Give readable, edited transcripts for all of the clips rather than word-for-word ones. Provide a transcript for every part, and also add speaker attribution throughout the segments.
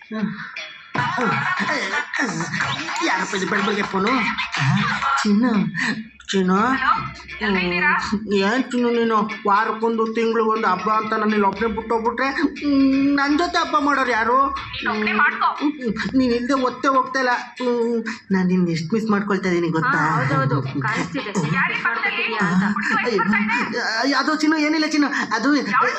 Speaker 1: ಯಾರಪ್ಪ ಇದು ಬೆಳಗ್ಗೆ ಫೋನು? ಚಿನ್ನು ಚಿನ್ನು ಏನು ಚಿನ್ನು ನೀನು ವಾರಕ್ಕೊಂದು ತಿಂಗಳು ಒಂದು ಹಬ್ಬ ಅಂತ ನನ್ನ ಒಬ್ಬನೇ ಬಿಟ್ಟೋಗ್ಬಿಟ್ರೆ ನನ್ನ ಜೊತೆ ಹಬ್ಬ ಮಾಡೋರು ಯಾರು? ನೀನು ಇಲ್ಲದೆ ಒತ್ತೆ ಹೋಗ್ತಾ ಇಲ್ಲ. ನಾನು ನಿನ್ನ ಎಷ್ಟು ಮಿಸ್ ಮಾಡ್ಕೊಳ್ತಾ ಇದ್ದೀನಿ ಗೊತ್ತಾ? ಅದು ಚಿನ್ನು ಏನಿಲ್ಲ ಚಿನ್ನು, ಅದು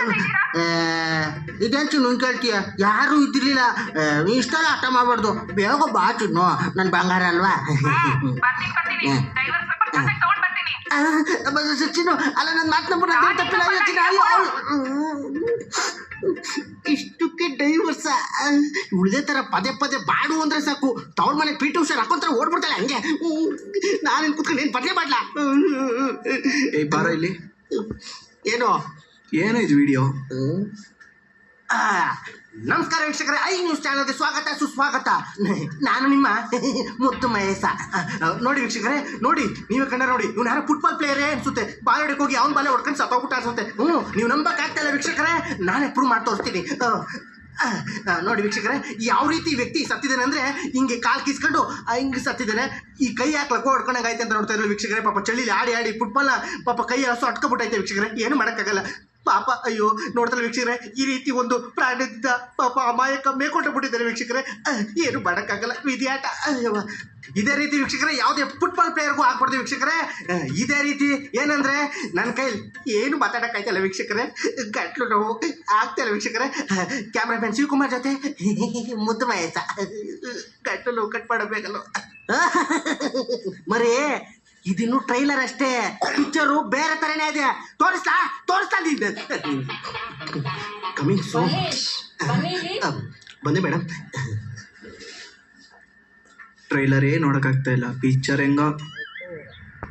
Speaker 1: ಇದೇನು ಚಿನ್ನು ಕೇಳ್ತೀಯ? ಯಾರೂ ಇದ್ದಿರಲಿಲ್ಲ. ಇಷ್ಟೆಲ್ಲ ಆಟ ಮಾಡಬಾರ್ದು, ಬೇಗ ಬಾ ಚಿನ್ನು, ನನ್ನ ಬಂಗಾರ ಅಲ್ವಾ? ಚಿನ್ನು ಅಲ್ಲ, ನನ್ನ ಮಾತನ್ನ ತಪ್ಪಿಲ್ಲ. ಇಷ್ಟಕ್ಕೆ ಡೈವರ್ಸ ಉಳಿದೇ ಥರ ಪದೇ ಪದೇ ಬಾಡು ಅಂದರೆ ಸಾಕು, ತವ್ರ ಮನೆ ಪಿ ಟಿ ಉಷಾರ್ ಹಾಕೊಂತಾರೆ ಓಡ್ಬಿಡ್ತಾಳೆ ಹಂಗೆ. ನಾನೇನು ಕೂತ್ಕೊಂಡು ಏನು ಬದಲೇ ಮಾಡಲ?
Speaker 2: ಬಾರೋ ಇಲ್ಲಿ.
Speaker 1: ಏನು
Speaker 2: ಏನೋ ಇದು ವಿಡಿಯೋ?
Speaker 1: ನಮಸ್ಕಾರ ವೀಕ್ಷಕರೇ, ಐ ನ್ಯೂಸ್ ಚಾನಲ್ಗೆ ಸ್ವಾಗತ ಸುಸ್ವಾಗತ. ನಾನು ನಿಮ್ಮ ಮುದ್ದು ಮಹೇಶ. ನೋಡಿ ವೀಕ್ಷಕರೇ, ನೋಡಿ ನೀವೇ ಕಂಡ ನೋಡಿ, ಇವ್ನು ಯಾರೋ ಫುಟ್ಬಾಲ್ ಪ್ಲೇಯರೇ ಅನ್ಸುತ್ತೆ. ಬಾಲ್ ಹೊಡಕ್ಕೆ ಹೋಗಿ ಅವ್ನ ಬಾಲೆ ಹೊಡ್ಕೊಂಡು ಸತ್ತೋಗ್ಬಿಟ್ಟು ಅನ್ಸುತ್ತೆ. ನೀವು ನಂಬಕ್ಕಾಗ್ತಾ ಇಲ್ಲ ವೀಕ್ಷಕರೇ, ನಾನೇ ಪ್ರೂವ್ ಮಾಡಿ ತೋರಿಸ್ತೀನಿ. ನೋಡಿ ವೀಕ್ಷಕರೇ, ಯಾವ ರೀತಿ ವ್ಯಕ್ತಿ ಸತ್ತಿದ್ದಾನೆ ಅಂದರೆ ಹಿಂಗೆ ಕಾಲು ಕಿಸ್ಕೊಂಡು ಹಿಂಗೆ ಸತ್ತಿದ್ದಾನೆ. ಈ ಕೈ ಹಾಕ್ಲಕ್ಕೋ ಹೊಡ್ಕೊಂಡಂಗೆ ಆಯ್ತು ಅಂತ ನೋಡ್ತಾ ಇದ್ರು ವೀಕ್ಷಕರೇ. ಪಾಪ ಚಳಿಲಿ ಆಡಿ ಆಡಿ ಫುಟ್ಬಾಲ್ನ ಪಾಪ ಕೈ ಹಸು ಅಟ್ಕೊಬಿಟ್ಟೈತೆ ವೀಕ್ಷಕರೇ, ಏನು ಮಾಡೋಕ್ಕಾಗಲ್ಲ ಪಾಪ. ಅಯ್ಯೋ ನೋಡ್ತಲ್ಲ ವೀಕ್ಷಕರೇ, ಈ ರೀತಿ ಒಂದು ಪ್ರಾಣಿಯಿಂದ ಪಾಪ ಅಮಾಯಕ ಮೇಲ್ಕೊಂಡೋಗ್ಬಿಟ್ಟಿದ್ದಾರೆ ವೀಕ್ಷಕರೇ. ಏನು ಮಾಡೋಕ್ಕಾಗಲ್ಲ, ವಿಧಿಯಾಟ. ಇದೇ ರೀತಿ ವೀಕ್ಷಕರೇ ಯಾವುದೇ ಫುಟ್ಬಾಲ್ ಪ್ಲೇಯರ್ಗೂ ಆಗ್ಬಾರ್ದು ವೀಕ್ಷಕರೇ. ಇದೇ ರೀತಿ ಏನಂದರೆ ನನ್ನ ಕೈಲಿ ಏನು ಮಾತಾಡೋಕ್ಕಾಯ್ತಲ್ಲ ವೀಕ್ಷಕರೇ, ಗಟ್ಲು ನೋವು ಆಗ್ತಾಯಿಲ್ಲ ವೀಕ್ಷಕರೇ. ಕ್ಯಾಮ್ರಾಮನ್ ಶಿವಕುಮಾರ್ ಜೊತೆ ಮುದ್ದು ಮಹೇಶ, ಗಟ್ಲು ನೋವು ಕಟ್ ಮಾಡಬೇಕಲ್ಲ ಮರೇ. ಇದಿನ್ನು ಟ್ರೈಲರ್ ಅಷ್ಟೇ, ಪಿಕ್ಚರು ಬೇರೆ ಥರನೇ ಇದೆ. ತೋರಿಸ್ತಾ ಕಮಿಂಗ್ ಸೋ. ಬಂದೆ ಮೇಡಮ್.
Speaker 2: ಟ್ರೈಲರೇ ನೋಡೋಕ್ಕಾಗ್ತಾ ಇಲ್ಲ, ಪಿಕ್ಚರ್ ಹೆಂಗೋ